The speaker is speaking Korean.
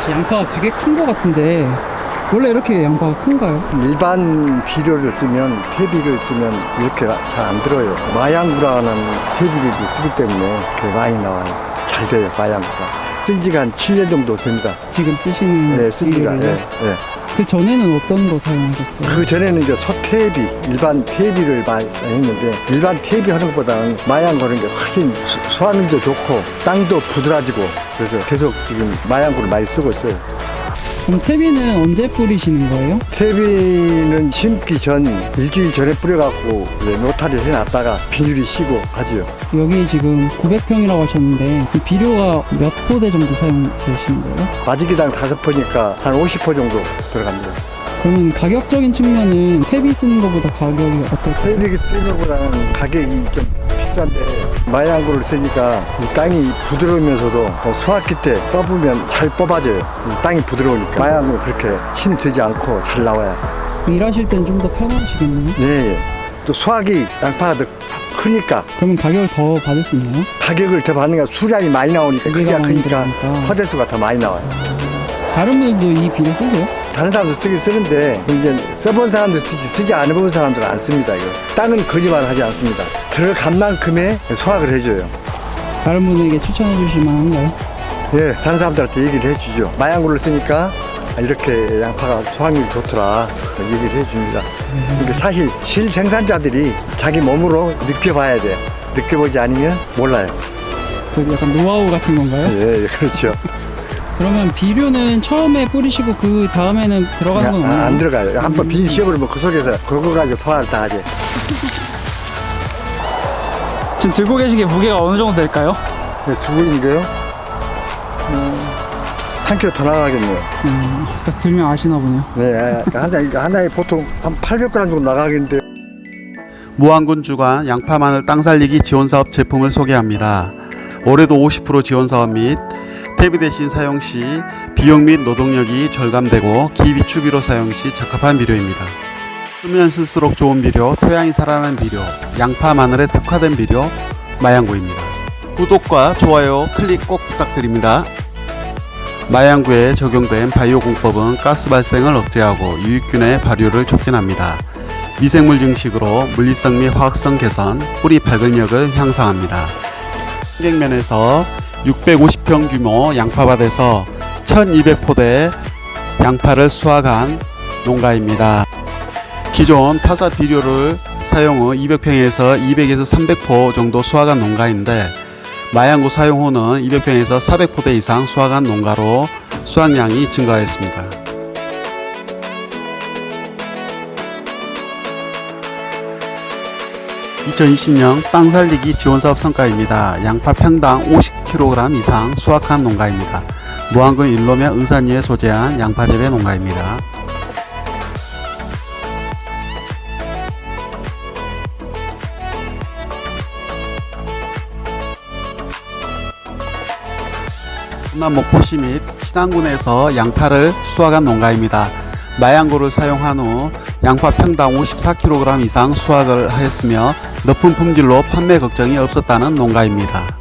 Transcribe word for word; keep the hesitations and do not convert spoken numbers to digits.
양파가 되게 큰 것 같은데 원래 이렇게 양파가 큰가요? 일반 비료를 쓰면, 퇴비를 쓰면 이렇게 잘 안 들어요. 마양구라는 퇴비를 쓰기 때문에 그게 많이 나와요. 잘 돼요, 마양구가. 쓴 지가 한 칠 년 정도 됩니다. 지금 쓰시는 네, 쓴 지가. 비료를요? 예, 예. 그 전에는 어떤 거 사용하셨어요? 그 전에는 이제 소퇴비, 일반 퇴비를 많이 했는데, 일반 퇴비 하는 것보다는 마양 거는 게 훨씬 수, 수확률도 좋고, 땅도 부드러지고, 그래서 계속 지금 마양구를 많이 쓰고 있어요. 그럼 퇴비는 언제 뿌리시는 거예요? 퇴비는 심기 전 일주일 전에 뿌려갖고 노타리를 해놨다가 비닐이 쉬고 하지요. 여기 지금 구백 평이라고 하셨는데 그 비료가 몇 포대 정도 사용되시는 거예요? 마지기당 다섯 포니까 한 오십 포 정도 들어갑니다. 그러면 가격적인 측면은 퇴비 쓰는 것보다 가격이 어떨까요? 퇴비 쓰는 것보다는 가격이 좀 비싼데, 마양구를 쓰니까 이 땅이 부드러우면서도 수확기 때 뽑으면 잘 뽑아져요. 이 땅이 부드러우니까. 마양구는 그렇게 힘들지 않고 잘 나와요. 일하실 때는 좀 더 편하시겠네요? 네. 또 수확이 양파가 더 크니까 그러면 가격을 더 받을 수 있나요? 가격을 더 받는 게 수량이 많이 나오니까, 무게가 크기가 많이 크니까 들어가니까. 화대수가 더 많이 나와요. 다른 분들도 이 비료 쓰세요? 다른 사람도 쓰긴 쓰는데, 이제 써본 사람도 쓰지, 쓰지 않아 본 사람들은 안 씁니다. 이거. 땅은 거짓말 하지 않습니다. 들어간 만큼의 수확을 해줘요. 다른 분에게 추천해 주실 만한가요? 예, 다른 사람들한테 얘기를 해주죠. 마양구를 쓰니까 이렇게 양파가 수확률이 좋더라, 얘기를 해줍니다. 근데 사실 실생산자들이 자기 몸으로 느껴봐야 돼요. 느껴보지 않으면 몰라요. 그 약간 노하우 같은 건가요? 예, 예, 그렇죠. 그러면 비료는 처음에 뿌리시고 그 다음에는 들어가는 건 아, 없나요? 안 들어가요. 한번 비닐 씌워버리면 그 속에서 그거 가지고 소화를 다 하지. 지금 들고 계신 게 무게가 어느 정도 될까요? 네, 주고 있는 게요? 음, 한 킬로 더 나가겠네요. 음, 딱 들면 아시나 보네요. 네, 하나에, 하나에 보통 한 팔백 그램 정도 나가겠는데. 무안군 주관 양파 마늘 땅 살리기 지원사업 제품을 소개합니다. 올해도 오십 퍼센트 지원사업 및 퇴비 대신 사용 시 비용 및 노동력이 절감되고 기비추비로 사용 시 적합한 비료입니다. 쓰면 쓸수록 좋은 비료, 토양이 살아나는 비료, 양파 마늘에 특화된 비료 마양구입니다. 구독과 좋아요 클릭 꼭 부탁드립니다. 마양구에 적용된 바이오 공법은 가스 발생을 억제하고 유익균의 발효를 촉진합니다. 미생물 증식으로 물리성 및 화학성 개선, 뿌리 발근력을 향상합니다. 환경면에서 육백오십 평 규모 양파밭에서 천이백 포대 양파를 수확한 농가입니다. 기존 타사 비료를 사용 후 이백 평에서 이백에서 삼백 포 정도 수확한 농가인데, 마양구 사용 후는 이백 평에서 사백 포대 이상 수확한 농가로 수확량이 증가했습니다. 이천이십 년 땅 살리기 지원사업 성과입니다. 양파 평당 오십 킬로그램 이상 수확한 농가입니다. 무안군 일로면 의산리에 소재한 양파 재배 농가입니다. 충남 목포시 및 신안군에서 양파를 수확한 농가입니다. 마양구를 사용한 후 양파 평당 오십사 킬로그램 이상 수확을 하였으며 높은 품질로 판매 걱정이 없었다는 농가입니다.